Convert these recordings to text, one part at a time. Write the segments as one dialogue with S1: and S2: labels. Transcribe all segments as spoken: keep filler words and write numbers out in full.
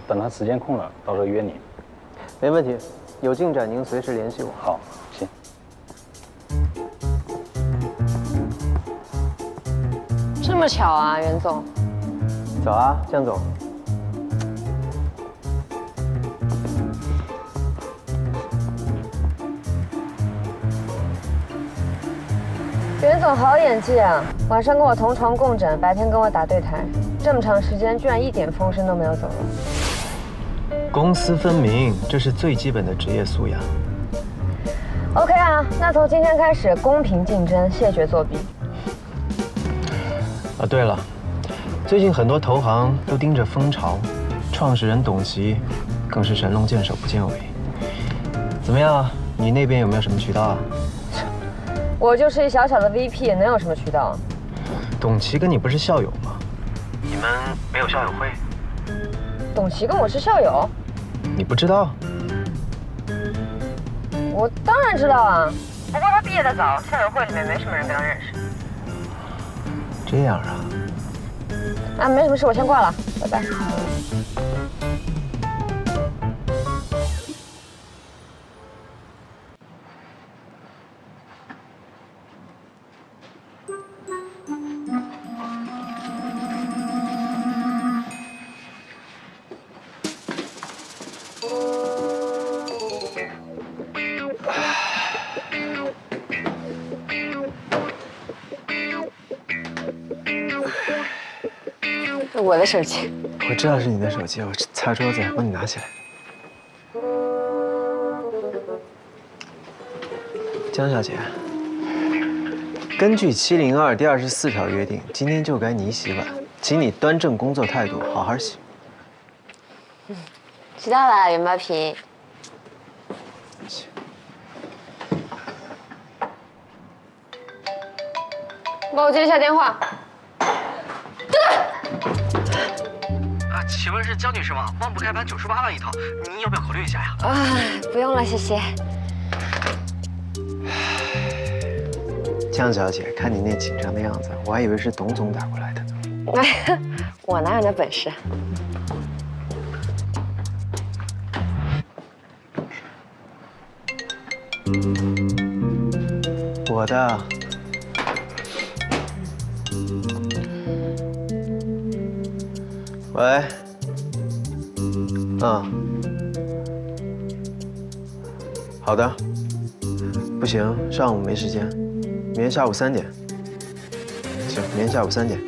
S1: 等他时间空了，到时候约你。
S2: 没问题，有进展您随时联系我。
S1: 好，行。
S3: 这么巧啊，袁总。
S2: 走啊，江总。
S3: 袁总好演技啊！晚上跟我同床共枕，白天跟我打对台，这么长时间居然一点风声都没有走了。
S2: 公私分明，这是最基本的职业素养。
S3: OK 啊，那从今天开始公平竞争，谢绝作弊。
S2: 啊，对了，最近很多投行都盯着蜂巢，创始人董琦更是神龙见首不见尾。怎么样，你那边有没有什么渠道啊？
S3: 我就是一小小的 V P， 能有什么渠道啊？
S2: 董琦跟你不是校友吗？你们没有校友会？
S3: 董琦跟我是校友？
S2: 你不知道？
S3: 我当然知道啊，不过他毕业的早，校友会里面没什么人跟他认识。
S2: 这样啊？
S3: 啊，没什么事，我先挂了，拜拜。我的手机，
S2: 我知道是你的手机，我擦桌子，帮你拿起来。江小姐，根据七零二第二十四条约定，今天就该你洗碗，请你端正工作态度，好好洗。
S3: 嗯，知道了，袁包皮。帮我接一下电话。
S2: 啊，请问是江女士吗？万不开盘九十八万一套，您要不要考虑一下呀？
S3: 啊，不用了，谢谢。
S2: 江小姐，看你那紧张的样子，我还以为是董总打过来的呢。
S3: 哎，我哪有那本事？
S2: 我的。喂。嗯。好的。不行，上午没时间，明天下午三点。行，明天下午三点。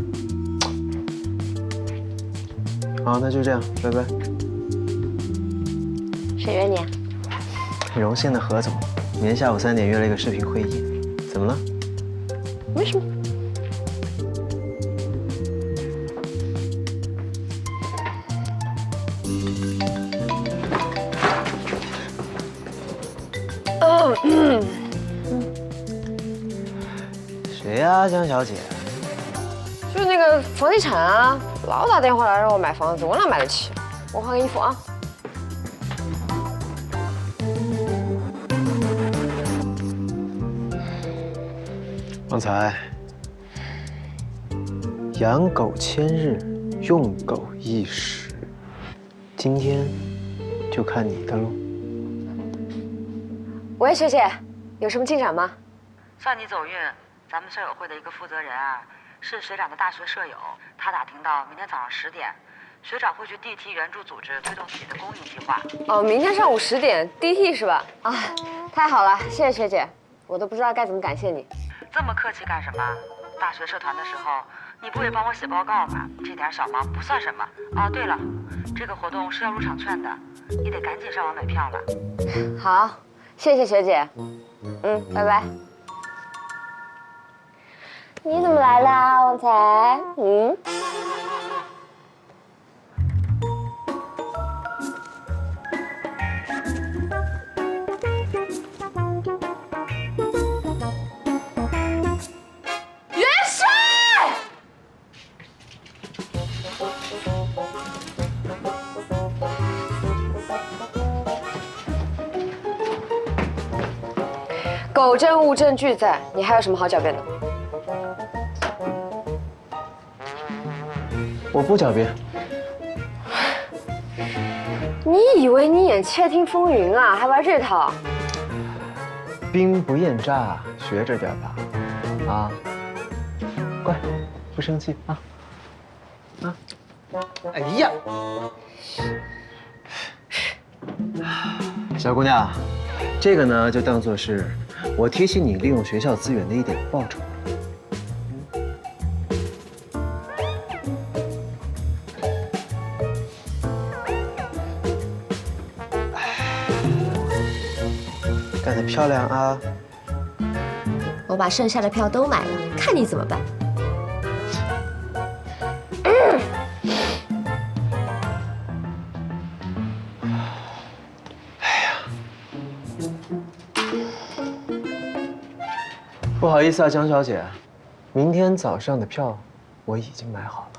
S2: 好，那就这样，拜拜。
S3: 谁约你啊？
S2: 荣幸的何总，明天下午三点约了一个视频会议，怎么了？
S3: 没什么。嗯。
S2: 谁呀，江小姐？
S3: 就是那个房地产啊，老打电话来让我买房子，我哪买得起？我换个衣服啊。
S2: 旺财，养狗千日，用狗一时，今天就看你的喽。
S3: 喂，学姐，有什么进展吗？
S4: 算你走运，咱们校友会的一个负责人啊，是学长的大学舍友，他打听到明天早上十点，学长会去 D T 援助组织推动自己的公益计划。
S3: 哦，明天上午十点 D T 是吧？啊，太好了，谢谢学姐，我都不知道该怎么感谢你。
S4: 这么客气干什么？大学社团的时候，你不也帮我写报告吗？这点小忙不算什么。哦，对了，这个活动是要入场券的，你得赶紧上网买票了。
S3: 好，谢谢学姐。嗯，拜拜。你怎么来啦，旺财？嗯。狗证物证俱在，你还有什么好狡辩的？
S2: 我不狡辩。
S3: 你以为你演《窃听风云》啊，还玩这套？
S2: 兵不厌诈，学着点吧，啊，乖，不生气啊，啊，哎呀，小姑娘，这个呢就当做是我提醒你利用学校资源的一点报酬。干得漂亮啊！
S5: 我把剩下的票都买了，看你怎么办。
S2: 不好意思啊，江小姐，明天早上的票我已经买好了。